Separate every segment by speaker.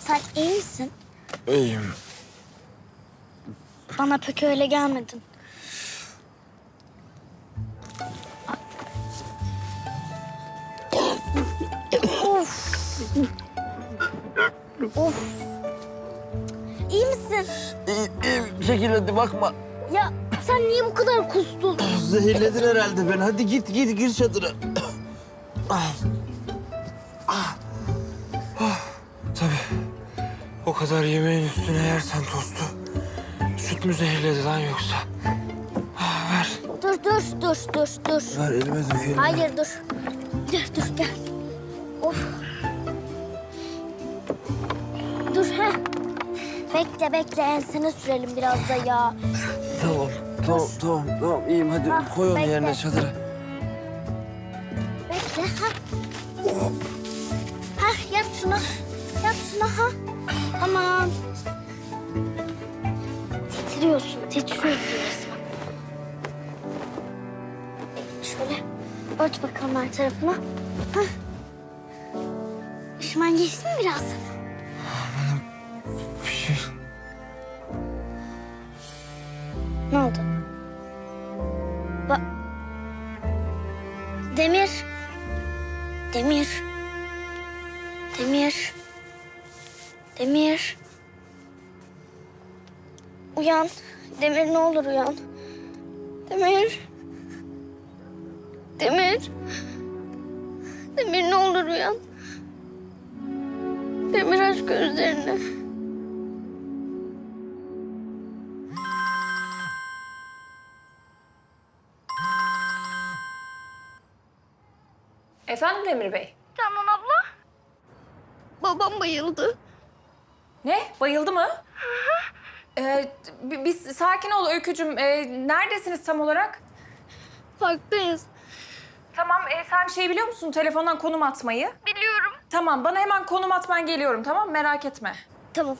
Speaker 1: Sen iyi misin?
Speaker 2: İyiyim.
Speaker 1: Bana pek öyle gelmedin. Of. Of. İyi misin?
Speaker 2: İyiyim. Çekil hadi bakma.
Speaker 1: Ya sen niye bu kadar kustun?
Speaker 2: Zehirledin herhalde beni. Hadi git gir çadıra. Tabii. O kadar yemeğin üstüne yersen tostu. Süt mü zehirledi lan yoksa? Ver.
Speaker 1: Dur.
Speaker 2: Ver elime dökelim.
Speaker 1: Hayır dur. Dur gel. Of. Dur ha. Bekle ensene sürelim biraz da ya.
Speaker 2: Tamam. İyiyim hadi
Speaker 1: Ha,
Speaker 2: koy onu
Speaker 1: bekle.
Speaker 2: yerine çadıra.
Speaker 1: Bekle ha. Ha yap şunu. Ha. Tamam. Titriyorsun resmen. Şöyle ört bakalım her tarafına. Ha. Üşümen geçti mi biraz?
Speaker 2: Bir şey.
Speaker 1: Ne oldu? Demir. Uyan. Demir ne olur uyan. Demir ne olur uyan. Demir aç gözlerini.
Speaker 3: Efendim Demir Bey?
Speaker 1: Canan abla. Babam bayıldı.
Speaker 3: Ne? Bayıldı mı? Biz sakin ol Öykücüğüm. Neredesiniz tam olarak?
Speaker 1: Parktayız.
Speaker 3: Tamam, sen şey biliyor musun? Telefondan konum atmayı.
Speaker 1: Biliyorum.
Speaker 3: Tamam, bana hemen konum at, ben geliyorum, tamam mı? Merak etme.
Speaker 1: Tamam.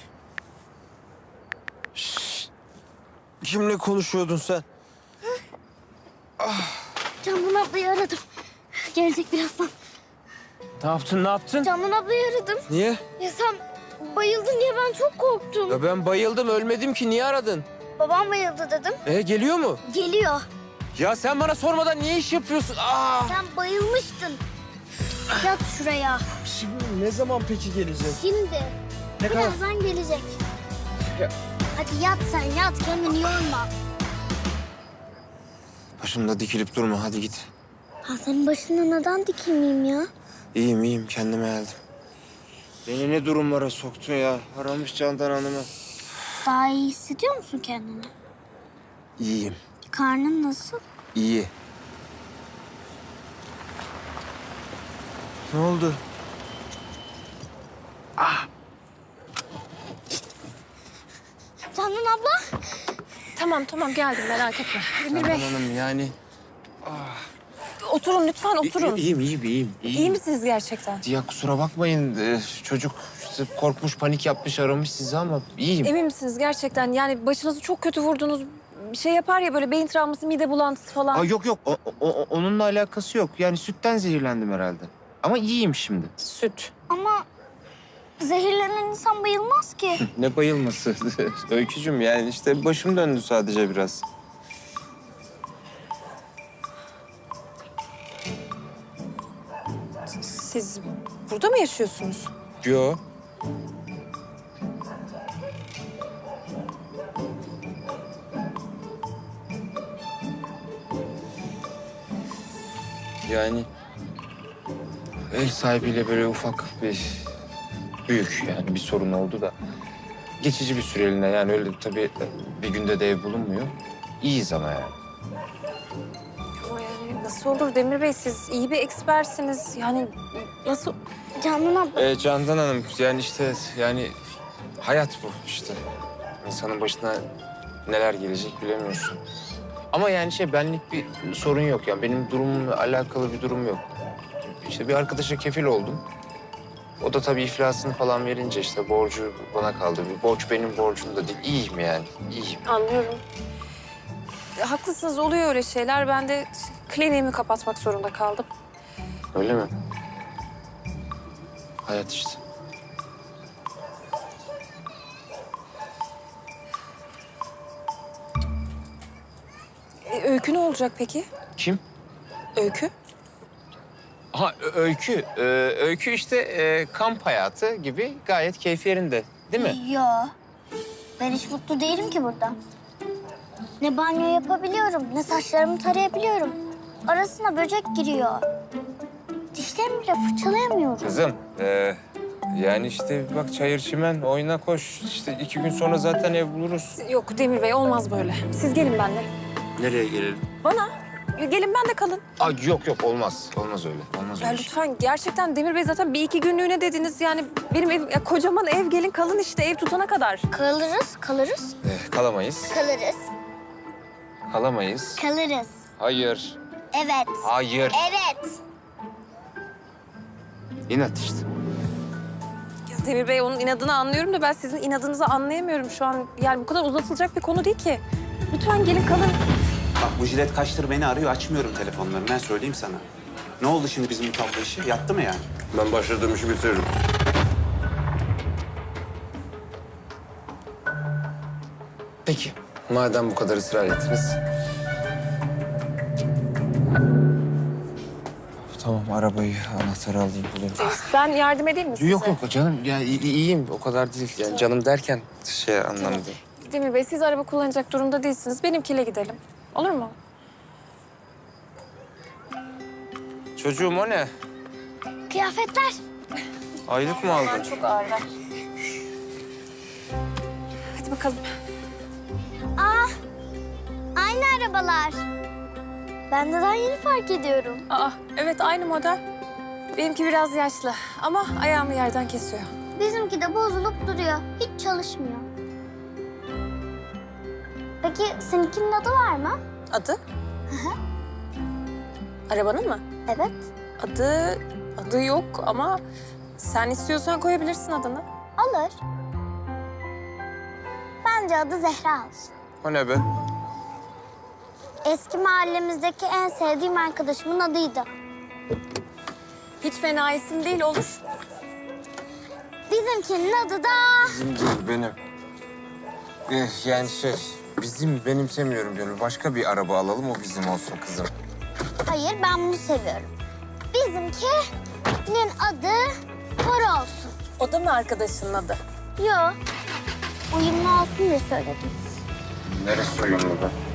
Speaker 2: Kimle konuşuyordun sen?
Speaker 1: Canan ablayı aradım. Gelecek birazdan.
Speaker 2: Ne yaptın?
Speaker 1: Canan ablayı aradım.
Speaker 2: Niye?
Speaker 1: Ya sen bayıldın diye ben çok korktum.
Speaker 2: Ya ben bayıldım, ölmedim ki. Niye aradın?
Speaker 1: Babam bayıldı dedim.
Speaker 2: Geliyor mu?
Speaker 1: Geliyor.
Speaker 2: Ya sen bana sormadan niye iş yapıyorsun?
Speaker 1: Sen bayılmıştın. Yat şuraya.
Speaker 2: Şimdi ne zaman peki gelecek?
Speaker 1: Şimdi.
Speaker 2: Ne kadar?
Speaker 1: Birazdan gelecek.
Speaker 2: Ya.
Speaker 1: Hadi yat sen yat. Kendini yorma.
Speaker 2: Başımda dikilip durma, hadi git.
Speaker 1: Ha senin başına neden dikilmeyeyim ya?
Speaker 2: İyiyim, kendime geldim. Beni ne durumlara soktun ya? Aramış Candan Hanım'ı.
Speaker 1: Daha iyi hissediyor musun kendini?
Speaker 2: İyiyim,
Speaker 1: Karnın nasıl?
Speaker 2: iyi. Ne oldu?
Speaker 1: Canan abla.
Speaker 3: Tamam geldim, merak etme. Demir
Speaker 2: Candan
Speaker 3: Bey,
Speaker 2: Hanım yani...
Speaker 3: oturun lütfen, oturun.
Speaker 2: İyiyim.
Speaker 3: İyi misiniz gerçekten?
Speaker 2: Ya kusura bakmayın, çocuk işte korkmuş, panik yapmış, aramış sizi ama iyiyim.
Speaker 3: Emin misiniz gerçekten? Yani başınızı çok kötü vurdunuz. Bir şey yapar ya böyle beyin travması, mide bulantısı falan.
Speaker 2: Yok, onunla alakası yok. Yani sütten zehirlendim herhalde. Ama iyiyim şimdi.
Speaker 3: Süt.
Speaker 1: Ama zehirlenen insan bayılmaz ki.
Speaker 2: Ne bayılması Öykücüğüm, yani işte başım döndü sadece biraz.
Speaker 3: Siz burada mı yaşıyorsunuz?
Speaker 2: Yo. Yani ev sahibiyle böyle ufak büyük yani bir sorun oldu da geçici bir süreliğine, yani öyle tabii bir günde de ev bulunmuyor. İyiyiz ama yani.
Speaker 3: Ama yani nasıl olur Demir Bey? Siz iyi bir ekspersiniz. Yani nasıl...
Speaker 1: Canan abla.
Speaker 2: Candan Hanım, yani işte yani hayat bu işte. İnsanın başına neler gelecek bilemiyorsun. Ama yani benlik bir sorun yok yani, benim durumumla alakalı bir durum yok. İşte bir arkadaşa kefil oldum. O da tabii iflasını falan verince işte borcu bana kaldı. Bir borç benim borcum da değil. İyiyim yani, iyiyim.
Speaker 3: Anlıyorum. Haklısınız, oluyor öyle şeyler. Ben de kliniğimi kapatmak zorunda kaldım.
Speaker 2: Öyle mi? Hayat işte.
Speaker 3: Öykü ne olacak peki?
Speaker 2: Kim?
Speaker 3: Öykü?
Speaker 2: Ha Öykü. Öykü işte kamp hayatı gibi gayet keyfi yerinde. Değil mi?
Speaker 1: Yo. Ben hiç mutlu değilim ki burada. Ne banyo yapabiliyorum, ne saçlarımı tarayabiliyorum. Arasına böcek giriyor. Dişlerimi bile fırçalayamıyorum.
Speaker 2: Kızım, yani işte bak çayır çimen oyna koş. İşte 2 gün sonra zaten ev buluruz.
Speaker 3: Yok Demir Bey olmaz böyle. Siz gelin benimle.
Speaker 2: Nereye gelelim?
Speaker 3: Bana. Gelin ben de kalın.
Speaker 2: Aa, yok olmaz. Olmaz öyle. Olmaz
Speaker 3: Ya
Speaker 2: öyle.
Speaker 3: lütfen gerçekten Demir Bey zaten 1-2 günlüğüne dediniz. Yani benim ev, ya kocaman ev gelin kalın işte ev tutana kadar.
Speaker 1: Kalırız.
Speaker 2: Kalamayız.
Speaker 1: Kalırız.
Speaker 2: Kalamayız.
Speaker 1: Kalırız.
Speaker 2: Hayır.
Speaker 1: Evet.
Speaker 2: Hayır.
Speaker 1: Evet.
Speaker 2: İnat işte.
Speaker 3: Ya Demir Bey onun inadını anlıyorum da ben sizin inadınızı anlayamıyorum şu an. Yani bu kadar uzatılacak bir konu değil ki. Lütfen gelin kalın.
Speaker 4: Bak bu jilet kaçtır beni arıyor, açmıyorum telefonlarını. Ben söyleyeyim sana. Ne oldu şimdi bizim bu tablo işi? Yattı mı yani?
Speaker 5: Ben başladığım işi bitiririm.
Speaker 2: Peki. Madem bu kadar ısrar ettiniz. Tamam arabayı, anahtarı alayım bulayım.
Speaker 3: Ben yardım edeyim mi size?
Speaker 2: Yok canım ya iyiyim o kadar değil. Yani canım derken şey anlamda.
Speaker 3: Demir Bey siz araba kullanacak durumda değilsiniz. Benimkiyle gidelim. Olur mu?
Speaker 2: Çocuğum o ne?
Speaker 1: Kıyafetler.
Speaker 2: Aylık mı aldın?
Speaker 3: Çok ağırlar. Hadi bakalım.
Speaker 1: Aynı arabalar. Ben de daha yeni fark ediyorum.
Speaker 3: Aa evet aynı model. Benimki biraz yaşlı ama ayağımı yerden kesiyor.
Speaker 1: Bizimki de bozulup duruyor. Hiç çalışmıyor. Peki seninkinin adı var mı?
Speaker 3: Adı? Arabanın mı?
Speaker 1: Evet.
Speaker 3: Adı yok ama sen istiyorsan koyabilirsin adını.
Speaker 1: Olur. Bence adı Zehra olsun.
Speaker 2: O ne be?
Speaker 1: Eski mahallemizdeki en sevdiğim arkadaşımın adıydı.
Speaker 3: Hiç fena isim değil olur.
Speaker 1: Bizimkinin adı da...
Speaker 2: Bizim değil benim. Yani bizim benimsemiyorum gönül. Başka bir araba alalım o bizim olsun kızım.
Speaker 1: Hayır, ben bunu seviyorum. Bizimkinin adı Bora olsun.
Speaker 3: O da mı arkadaşının adı?
Speaker 1: Yo, uyumlu olsun diye söyledim.
Speaker 2: Neresi uyumlu be?